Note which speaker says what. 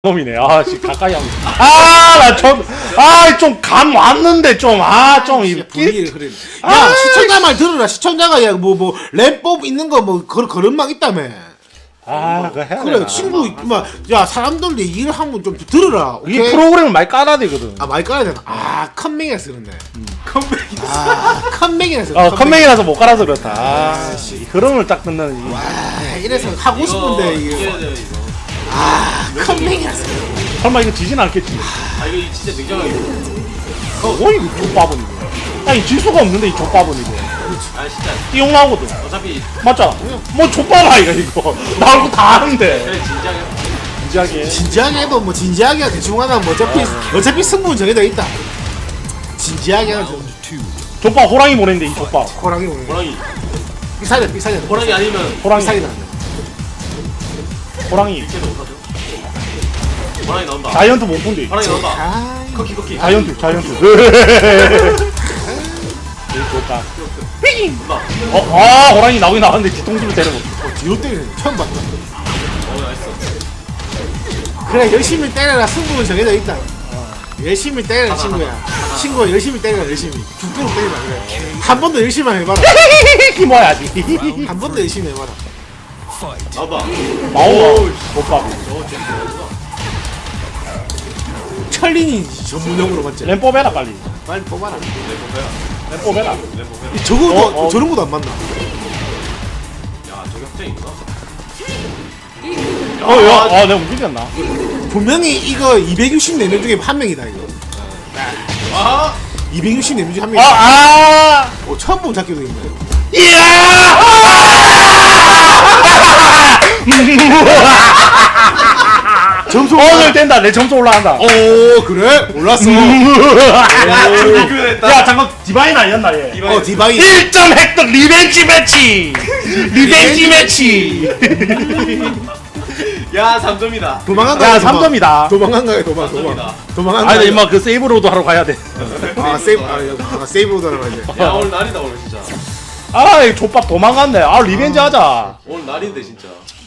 Speaker 1: 처음이네. 아, 씨, 가까이 하고. 아, 나 좀, 아, 좀 감 왔는데, 좀, 아, 좀, 이
Speaker 2: 분위기를 흐리네. 야, 시청자 말 들어라. 시청자가, 야, 랩법 있는 거, 그런 막 있다며.
Speaker 1: 아, 그거 해야
Speaker 2: 그래,
Speaker 1: 되나.
Speaker 2: 친구, 야, 사람들 얘기를 하면 좀 들어라.
Speaker 1: 이
Speaker 2: 오케이?
Speaker 1: 프로그램을 많이 깔아야 되거든.
Speaker 2: 아, 많이 깔아야 되나? 아, 컴맹이라서 그런데. 아, 컴맹이라서.
Speaker 1: 컴맹이라서 못 깔아서 그렇다. 아, 씨. 이 흐름을 딱 듣는. 이.
Speaker 2: 와, 이래서 하고 싶은데, 이게. 아, 컴맹이라서.
Speaker 1: 설마 이거 지진 않겠지?
Speaker 3: 아 이거 진짜 냉정하게.
Speaker 1: 뭐 이거 족밥은 이거. 아니, 질 수가 없는데, 이 족밥은 이거.
Speaker 3: 아 진짜
Speaker 1: 띠용 나오거든.
Speaker 3: 어차피
Speaker 1: 맞잖아. 뭐 족밥 아이가 이거. 나올 거다 하는데.
Speaker 3: 그래 진작에.
Speaker 1: 진지하게.
Speaker 2: 진지하게 해도 뭐, 진지하게 대충 하나 뭐, 어차피 승부는 정해져 있다. 진지하게 하죠.
Speaker 1: 족밥 호랑이 보냈는데, 이 족밥.
Speaker 2: 호랑이 오는 거.
Speaker 3: 호랑이.
Speaker 2: 비싸냐.
Speaker 3: 호랑이 아니면
Speaker 1: 호랑이.
Speaker 2: 비싸게 나.
Speaker 1: 호랑이.
Speaker 3: 걔도 못 사죠. 호랑이 나온다.
Speaker 1: 자이언트 못 본데.
Speaker 3: 호랑이 나온다.
Speaker 2: 아,
Speaker 3: 커키.
Speaker 1: 자이언트. 이 족밥. 삐깅!
Speaker 3: 나온다.
Speaker 1: 아, 호랑이 나오긴 나왔는데 뒤통수를 때려먹
Speaker 2: 뒤로 때리네. 처음 봤다.
Speaker 3: 나이스.
Speaker 2: 그래, 열심히 때려라. 승부는 정해져 있다. 열심히 때려라, 친구야. 친구야, 열심히 때려라, 열심히. 죽도록 때리라, 그래. 한 번 더 열심히 해봐라.
Speaker 1: 힘어야지.
Speaker 2: 한 번 더 열심히 해봐라.
Speaker 3: 나온다.
Speaker 1: 마오가 족밥.
Speaker 2: 철린이 전문용으로 맞지?
Speaker 1: 램 뽑아라 빨리.
Speaker 2: 빨리 뽑아라.
Speaker 1: 램 뽑아라.
Speaker 2: 저거, 저런 것도 안 맞나?
Speaker 3: 야 저기 확정이구나.
Speaker 1: 야, 내가 움직였나?
Speaker 2: 분명히 이거 264명 중에 한 명이다, 이거.
Speaker 3: 아
Speaker 2: 264명 중에 한 명이다.
Speaker 1: 아!
Speaker 2: 처음 본 잡기도 있네. 점수
Speaker 1: 오늘 된다. 내 점수 올라간다.
Speaker 2: 오, 그래? 몰랐어.
Speaker 1: 야, 잠깐 디바인 아니었나 얘?
Speaker 2: 디바이.
Speaker 1: 1점 획득 리벤지 매치. 리벤지 매치.
Speaker 3: 야 3점이다.
Speaker 2: 도망간
Speaker 1: 야,
Speaker 2: 거야.
Speaker 1: 3점이다.
Speaker 2: 도망간 거야, 도망간
Speaker 1: 아니,
Speaker 2: 거야.
Speaker 1: 임마 그 세이브로드 하러 가야 돼.
Speaker 2: 세이브로드 하러 가야 돼.
Speaker 3: 야 오늘 날이다 오늘 진짜.
Speaker 1: 아, 이 족밥 도망갔네. 아, 리벤지 하자.
Speaker 3: 오늘 날인데 진짜.